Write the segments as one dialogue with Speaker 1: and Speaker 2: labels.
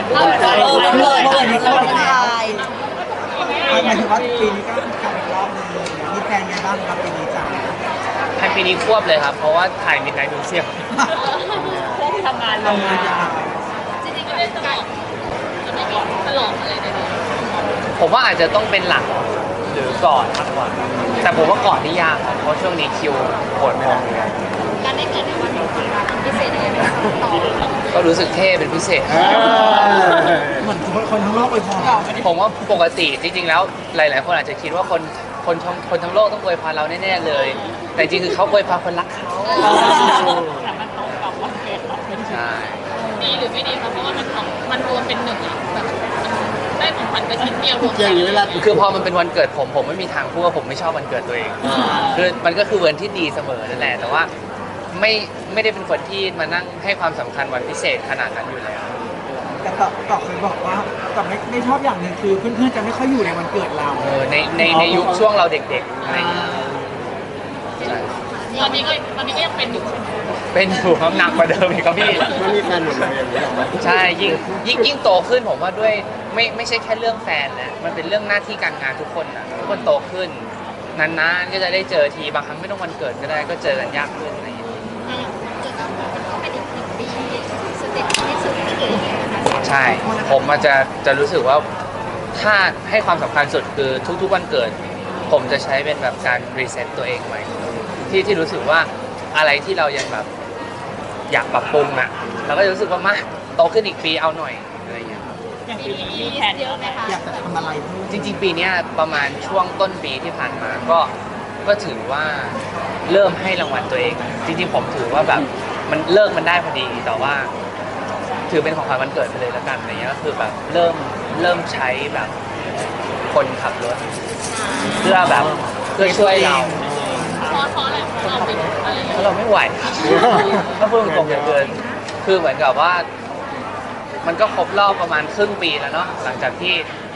Speaker 1: ดด้วย
Speaker 2: เปิดนี้ก็เป็นไทย
Speaker 3: หมายถึงว่าปีนี้ก็กลับอีกรอบนึงมีแพลนไงบ้างครับปีนี้จ้า
Speaker 1: ทันปีนี้ควบเลยครับเพราะว่าถ่ายมิดไนท์มิวเซียม
Speaker 2: ทำงาน
Speaker 3: ทำงานยาว
Speaker 4: จริงๆก็ได้ตลอดจะไม่มีตลอดอะไรเลย
Speaker 1: ผมว่าอาจจะต้องเป็นหลังหรือก่อนมากกว่าแต่ผมว่าก่อนนี่ยากครับเพราะช่วงนี้คิวโหดพอ
Speaker 4: การได้เกิดในวันนี้พิเศษยังไงบ้างต่อ
Speaker 1: ก็รู้สึกเท่เป็นพิเศษ
Speaker 3: เหมือนคนทั้งโลกเลยพอ
Speaker 1: ผมว่าปกติจริงๆแล้วหลายๆคนอาจจะคิดว่าคนทั้งโลกต้องอวยพรเราแน่ๆเลย แต่จริงๆคือเขาอวยพรคนรักเขา
Speaker 2: แต่มันตรงกับวันเกิดเรา
Speaker 1: ใช่
Speaker 4: ดีหรือไม่ดีคะเพราะว่ามันรวมเป็นหนึ่งอะแบบได้ของขวัญไปชิ้นเดียวรวม
Speaker 3: เจออย่างนี้เวลา
Speaker 1: คือพอมันเป็นวันเกิดผมไม่มีทางพูดว่าผมไม่ชอบวันเกิดตัวเองคือมันก็คือวันที่ดีเสมอนั่นแหละแต่ว่าไม่ได้เป็นคนที่มานั่งให้ความสำคัญวันพิเศษขนาดนั้นอยู่แล้ว
Speaker 3: แต่ต่อเคยบอกว่าแต่ไม่ชอบอย่างหนึ่งคือเพื่อนๆจะไม่ค่อยอยู่ในวันเกิดเรา
Speaker 1: ในยุคช่วงเราเด็กๆอะไรอย่างเงี้ยใช่
Speaker 4: ตอนนี้ก็ยังเป็นอยู่
Speaker 1: เป็นอยู่ครับหนักกว่าเดิมอีกครับพี่
Speaker 3: ไม่มีแฟนหมดเลยอย่างนี้หรอ
Speaker 1: ใช่ยิ่งโตขึ้นผมว่าด้วยไม่ใช่แค่เรื่องแฟนแล้วมันเป็นเรื่องหน้าที่การงานทุกคนนะทุกคนโตขึ้นนานๆก็จะได้เจอทีบางครั้งไม่ต้องวันเกิดก็ได้ก็เจอกันยากขึ้นอะไรอย่างเงี้ย
Speaker 4: จนต้องเป็นอีกหนึ่งปีสเต็ปที่สุดที่เกิดนะคะ
Speaker 1: ใช่ผมอาจจะรู้สึกว่าถ้าให้ความสำคัญสุดคือทุกๆวันเกิด ผมจะใช้เป็นแบบการรีเซ็ตตัวเองใหม่ที่รู้สึกว่าอะไรที่เรายังแบบอยากปรับปรุงอ่ะเราก็จะรู้สึกว่ามาโตขึ้นอีกปีเอาหน่อยอะไรอย่างเงี้ย
Speaker 2: อย่าง
Speaker 4: ปี
Speaker 2: ปี
Speaker 4: นี้
Speaker 2: นี้
Speaker 4: มี
Speaker 2: แผน
Speaker 4: เยอะไหมคะ
Speaker 3: อยากจะทำอะไรเพิ่ม
Speaker 1: จริงๆปีเนี้ยประมาณช่วงต้นปีที่ผ่านมาก็ถือว่าเริ่มให้รางวัลตัวเอง จริงๆผมถือว่าแบบมันได้พอดีแต่ว่า ถือเป็นของขวัญวันเกิดไปเลยแล้วกันอะไรเงี้ยก็คือแบบเริ่มใช้แบบคนขับรถ เพื่อแบบเพื่อช่วยเรา
Speaker 4: เพราะอะไรเพราะเราเป็นอะไร
Speaker 1: เพราะเราไม่ไหว ถ้าพูดตรงๆเหลือเกินคือเหมือนกับว่า มันก็ครบรอบประมาณครึ่งปีแล้วเนาะหลังจากที่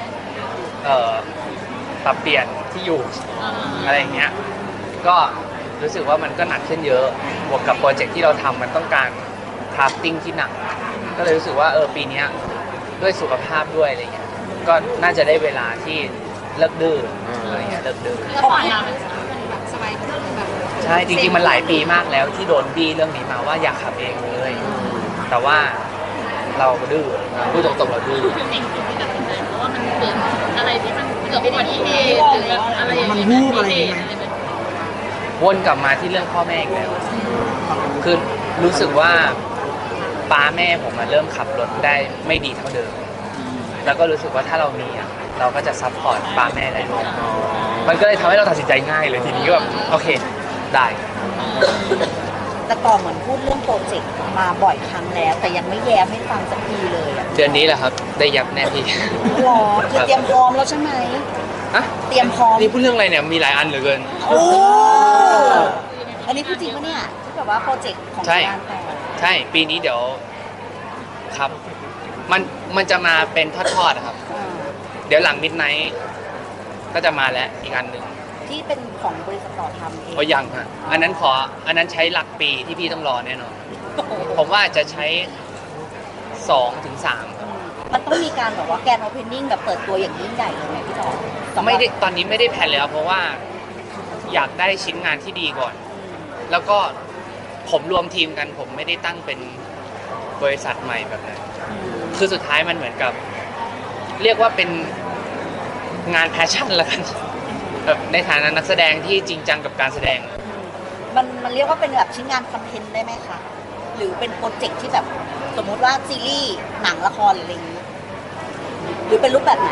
Speaker 1: ปรับเปลี่ยนที่อยู่อะไรอย่างเงี้ยก็รู้สึกว่ามันก็หนักขึ้นเยอะบวกกับโปรเจกต์ที่เราทำมันต้องการคราฟติ้งที่หนัก ก็เลยรู้สึกว่าปีเนี้ยด้วยสุขภาพด้วยอะไรเงี้ยก็น่าจะได้เวลาที่เลิกดื้ออะไรเงี้ยเลิกดื้อ
Speaker 4: แล้วผ่านมามันแบบสบายขึ้นแบบ
Speaker 1: ใช่จริงๆมันหลายปีมากแล้วที่โดนบี้เรื่องนี้มาว่าอยากขับเองเลย แต่ว่าเราดื้อพูดตรงๆเราดื้อ
Speaker 4: คือสิ่งที่ตัดสินใจเพราะว่ามันเกิดอะไรที่มันเกิดอุบัติเหตุหรือแบบอะไรอย่าง
Speaker 3: มัน
Speaker 4: เงี้ย
Speaker 3: วูบอะไรอย่างเงี้ย
Speaker 1: วนกลับมาที่เรื่องพ่อแม่อีกแล้วคือรู้สึกว่าป้าแม่ผมมาเริ่มขับรถได้ไม่ดีเท่าเดิม แล้วก็รู้สึกว่าถ้าเรามีอ่ะเราก็จะซัพพอร์ตป้าแม่ได้ด้วยมันก็เลยทำให้เราตัดสินใจง่ายเลยทีนี้ก็แบบโอเคได้
Speaker 2: แต่ต่อเหมือนพูดเรื่องโปรเจกต์มาบ่อยครั้งแล้ว แต่ยังไม่แย้มให้ฟังสักทีเลยอะ
Speaker 1: เดือนนี้แหละครับได้ยับแน่พี่
Speaker 2: หรอคือเตรียมพร้อมแล้วใช่ไหม
Speaker 1: อะ
Speaker 2: เตรียมพร้อม
Speaker 1: นี่พูดเรื่องอะไรเนี่ยมีหลายอันเหลือเกิน
Speaker 2: โอ้อันนี้พูดจริงปะเนี่ยที่แบบว่าโปรเจกต์ของ
Speaker 1: ใช่
Speaker 2: งานแต่ง
Speaker 1: ใช่ปีนี้เดี๋ยวครับ มันจะมาเป็นทอดๆอะครับ
Speaker 2: อ่า
Speaker 1: เดี๋ยวหลังมิดไนท์ก็จะมาแล้วอีกอันหนึ่ง
Speaker 2: ที่เป็นของบริษัทต่อทำเอง
Speaker 1: เพราะยังฮะอันนั้นใช้หลักปีที่พี่ต้องรอแน่นอนผมว่าจะใช้2 ถึง 3
Speaker 2: มันต้องมีการแบบว่าแกนโอเพนนิ่งแบบเปิดตัวอย่างยิ่งใหญ่เลยไหมพี่ต่อสำหรับ
Speaker 1: ไม่ได้ตอนนี้ไม่ได้แผนเลยครับเพราะว่าอยากได้ชิ้นงานที่ดีก่อน แล้วก็ผมรวมทีมกันผมไม่ได้ตั้งเป็นบริษัทใหม่แบบนั้น คือสุดท้ายมันเหมือนกับ เรียกว่าเป็นงานแพชชั่นละกันแบบในฐานะนักแสดงที่จริงจังกับการแสดง
Speaker 2: มันเรียกว่าเป็นแบบชิ้นงานคอนเทนต์ได้ไหมคะ หรือเป็นโปรเจกต์ที่แบบสมมุติว่าซีรีส์หนังละครหรืออะไรอย่างนี้ หรือเป็นรูปแบบไหน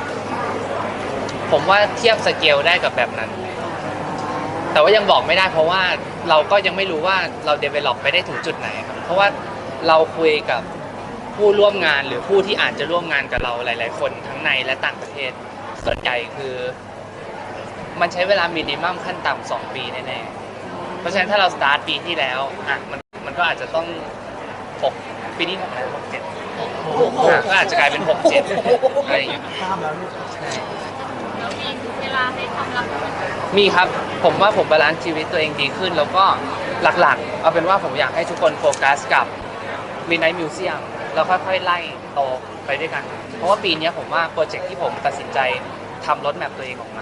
Speaker 1: ผมว่าเทียบสเกลได้กับแบบนั้น แต่ว่ายังบอกไม่ได้เพราะว่าเราก็ยังไม่รู้ว่าเรา develop ไปได้ถึงจุดไหนครับ เพราะว่าเราคุยกับผู้ร่วมงานหรือผู้ที่อาจจะร่วมงานกับเราหลาย ๆ คนทั้งในและต่างประเทศ ส่วนใหญ่คือ มันใช้เวลามินิมัมขั้นต่ำ2 ปีแน่ๆ เพราะฉะนั้นถ้าเราสตาร์ทปีที่แล้วอ่ะมันก็อาจจะต้อง6ปีนี้6แล้ว6 7ก็อาจจะกลายเป็น6 7อะไรอย่างเงี้ย
Speaker 3: ข้ามแล้วลูก
Speaker 4: แล้วมีเวลาให้ความรักมัน
Speaker 1: มีครับผมว่าผมบาลานซ์ชีวิตตัวเองดีขึ้น แล้วก็หลักๆ เอาเป็นว่าผมอยากให้ทุกคนโฟกัสกับ Midnight Museum แแล้วค่อยๆไล่โตไปด้วยกัน เพราะว่าปีนี้ผมว่าโปรเจกต์ที่ผมตัดสินใจทำรถแมพตัวเองออกมา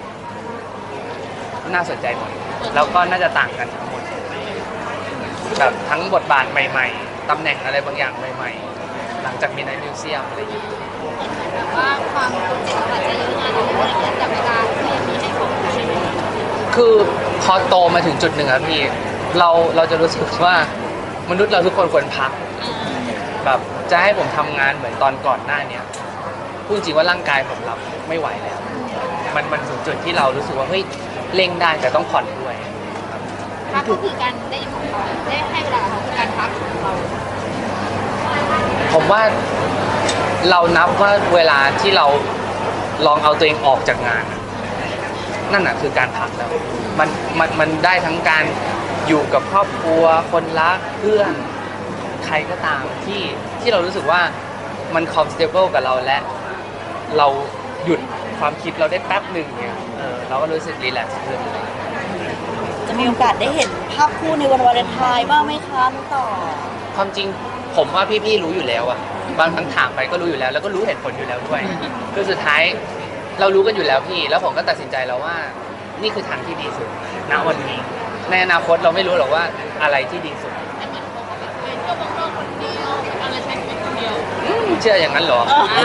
Speaker 1: น่าสนใจหมดแล้วก็น่าจะต่างกันทั้งหมดแบบทั้งบทบาทใหม่ๆตำแหน่งอะไรบางอย่างใหม่ๆหลังจากมีในมิวเซียมอะไรอย่างเงี้ย
Speaker 4: แบบว่าความโปรเจกต์อาจจะเยอะงานอะไรอย่างเงี้ยแต่เวลาที่มีให้เขาใช่ไหม
Speaker 1: คือพอโตมาถึงจุดหนึ่งอะพี่เราจะรู้สึกว่ามนุษย์เราทุกคนควรพักแบบจะให้ผมทำงานเหมือนตอนก่อนหน้าเนี้ยพูดจริงว่าร่างกายผมรับไม่ไหวแล้ว มันถึงจุดที่เรารู้สึกว่าเฮ้ยเร่งได้แต่ต้องผ่อนด้วยครับ
Speaker 4: พักก็คือการได้ของเขาได้ให้เวลาเขาคือการพักของเรา
Speaker 1: ผมว่าเรานับว่าเวลาที่เราลองเอาตัวเองออกจากงานอะนั่นน่ะคือการพักแล้วมันได้ทั้งการอยู่กับครอบครัวคนรักเพื่อนใครก็ตามที่เรารู้สึกว่ามัน comfortable กับเราและเราหยุดความคิดเราได้แป๊บหนึ่งเนี่ยเราก็รู้สึกรีแลกซ์ขึ้น
Speaker 2: จะมีโอกาสได้เห็นภาพคู่ในวันวาเลนไทน์บ้างไหมคะน้องต่อ
Speaker 1: ความจริงผมว่าพี่ๆรู้อยู่แล้วอะบางครั้งถามไปก็รู้อยู่แล้วแล้วก็รู้เหตุผลอยู่แล้วด้วยคือสุดท้ายเรารู้กันอยู่แล้วพี่แล้วผมก็ตัดสินใจแล้วว่านี่คือทางที่ดีสุดณวันนี้ในอนาคตเราไม่รู้หรอกว่าอะไรที่ดีสุด
Speaker 4: แต่เหมือนเขาก็แบบไปเที่ยวเมืองนอกคนเดียวอะไรใช้ชีวิตคนเดียว
Speaker 1: เชื่ออย่างนั้นเหรอ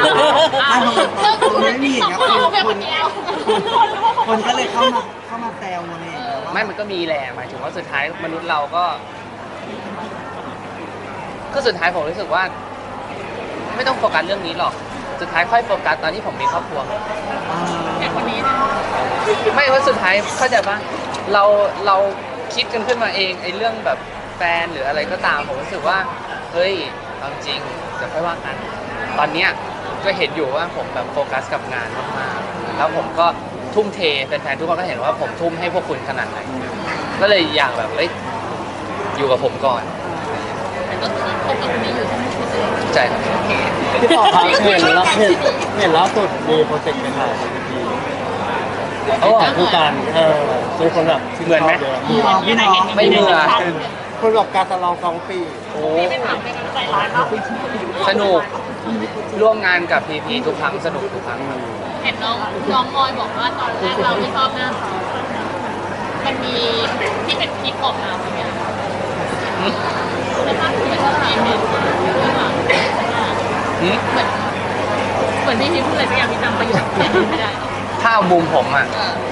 Speaker 3: ไม่มีอย่างเงี้ย
Speaker 4: เราเป็นคนเดียว
Speaker 3: คนก็เลยเข้ามาแซวมาเลยว่า
Speaker 1: ไม่มันก็มีแหละหมายถึงว่าสุดท้ายมนุษย์เราก็สุดท้ายผมรู้สึกว่า ไม่ต้องโฟกัสเรื่องนี้หรอกสุดท้ายค่อยโฟกัสตอนที่ผมมีครอบครัว
Speaker 4: แค่คนนี้นะ
Speaker 1: ไม่ว่าสุดท้ายเข้าใจปะเราคิดกันขึ้นมาเองไอ้เรื่องแบบแฟนหรืออะไรก็ตามผมรู้สึกว่าเฮ้ยเอาจริงเดี๋ยวค่อยว่ากันตอนเนี้ยก็เห็นอยู่ว่าผมแบบโฟกัสกับงานมากๆแล้วผมก็ทุ่มเทแฟนๆทุกคนก็เห็นว่าผมทุ่มให้พวกคุณขนาดไหนก็เลยอยากแบบเอ้ยอยู่กับผมก่อน
Speaker 4: แต่ก็คือคบกับคนนี้อยู่ทั้งหมดเลย
Speaker 1: ใช่ครับ
Speaker 5: พี่ต่อครับเห็นล่าสุดมีโปรเจกต์ไปถ่ายกับพี่
Speaker 1: โอ้
Speaker 5: ถ่ายคู่กันเป็นคนแบบชื่
Speaker 1: เหมือนไหม
Speaker 5: ชบยะ
Speaker 3: พี่น้องพี่น้อง
Speaker 1: ไม่เหมือน
Speaker 5: คนแบบการตลอง2 ปี
Speaker 1: โอ้
Speaker 4: ไม่ถามเป็นใจร้ายมาก
Speaker 1: สนุกร่วมงานกับพีพีทุกครั้งสนุกทุกครั้งครับ
Speaker 4: เห็นน้องออยบอกว่าตอนแรกเราไม่ชอบหน้าเขามันมีที่เป็นคลิปออกมาไหมแต่ถ้าคุณไม่ชอบเองเนี่ยเหมือนที่พี่พูดอะไรสักอย่างที่จำประโยคไม่ได้
Speaker 1: ถ้าเอามุมผมอ่ะ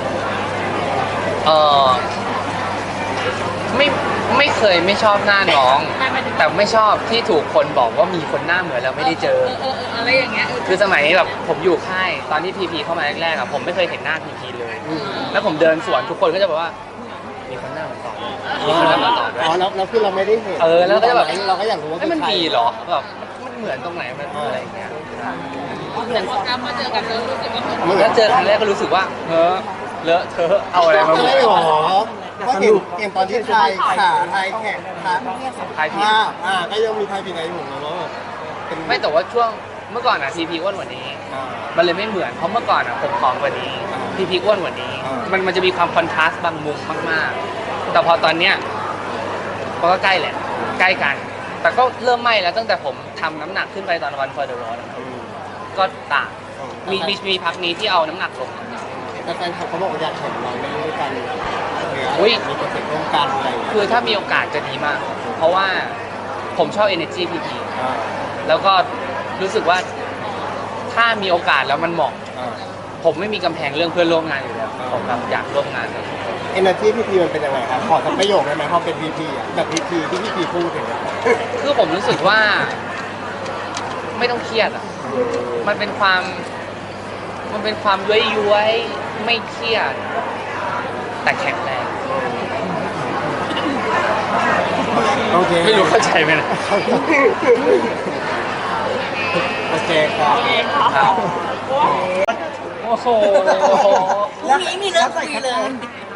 Speaker 1: ไม่เคยไม่ชอบหน้าน้อง แต่ไม่ชอบที่ถูกคนบอกว่ามีคนหน้าเหมือนแล้วไม่ได้เจอ
Speaker 4: อะไรอย่างเงี้ย
Speaker 1: คือสมัยนี้แบบผมอยู่ค่ายตอนที่พีพีเข้ามาแรกๆอะผมไม่เคยเห็นหน้าพีพีเลย แล้วผมเดินสวนทุกคนก็จะบอกว่า มีคนหน้าเหมือนต่อด้วยมีคนหน้าเหมือนต่อด้วย
Speaker 5: อ๋อแล้วคือเราไม่ได้เห็น
Speaker 1: แล้วก็จะแบบ
Speaker 5: เราก็อยากรู้ว่า
Speaker 1: มัน
Speaker 5: ใคร
Speaker 1: มีเหรอแบบมันเหมือนตรงไหนมันอะไรอย่างเงี้ย
Speaker 4: แต่พอกลับมาเจอกันแล้วรู้สึกว่าเหมือน
Speaker 1: แล้วเจอครั้งแรกก็รู้สึกว่าเลอะเทอะเอาอะไรมาบ
Speaker 5: ไม่
Speaker 1: อก
Speaker 5: หรอก็เห็นตอนที่ไทยขาไทยแข่งขา
Speaker 1: ใครผิด
Speaker 5: ก็ยังมีไทยผิดไงอยู่นะว่าแบบเป็น
Speaker 1: ไม่แต่ว่าช่วงเมื่อก่อนอะพีพีอ้วนกว่านี้ มันเลยไม่เหมือนเพราะเมื่อก่อนอะผมผอมกว่านี้พีพีอ้วนกว่านี้ มันจะมีความคอนทราสต์บางมุมมากๆ แต่พอตอนเนี้ยมันก็ใกล้แหละใกล้กัน แต่ก็เริ่มไม่แล้วตั้งแต่ผมทำน้ำหนักขึ้นไปตอนวันฟอร์เดอร์โรดก็ต่างมีพักนี้ที่เอาน้ำหนักลง
Speaker 5: แต่แฟนคลับเขาบอกว่าอยากเห็นเราได้ด้วยกัน
Speaker 1: อุ๊ย
Speaker 5: มีโปรเจกต์ร่วมกันอะไรอย่างเงี้ย
Speaker 1: คือถ้ามีโอกาสจะดีมาก เพราะว่าผมชอบ energy พีพีแล้วก็รู้สึกว่าถ้ามีโอกาสแล้วมันเหมาะ ผมไม่มีกำแพงเรื่องเพื่อนร่วมงานอยู่แล้วผมแบบอยากร่วมงานกับ
Speaker 5: เอเนอร์จีพีพีมันเป็นยังไงครับขอสักประโยคได้ไหมพอเป็นพีพีแบบพีพีที่พีพีพูดถึงอะ
Speaker 1: คือผมรู้สึกว่าไม่ต้องเครียดอ่ะ มันเป็นความย้วยๆไม่เครียด แต่แข็งแรง
Speaker 5: โอเค
Speaker 1: ไม่รู้เข้าใจไหมนะ
Speaker 5: โอเคครับ
Speaker 1: ครับโอ้โห
Speaker 2: พรุ่งนี้มีเรื่องคุยเลย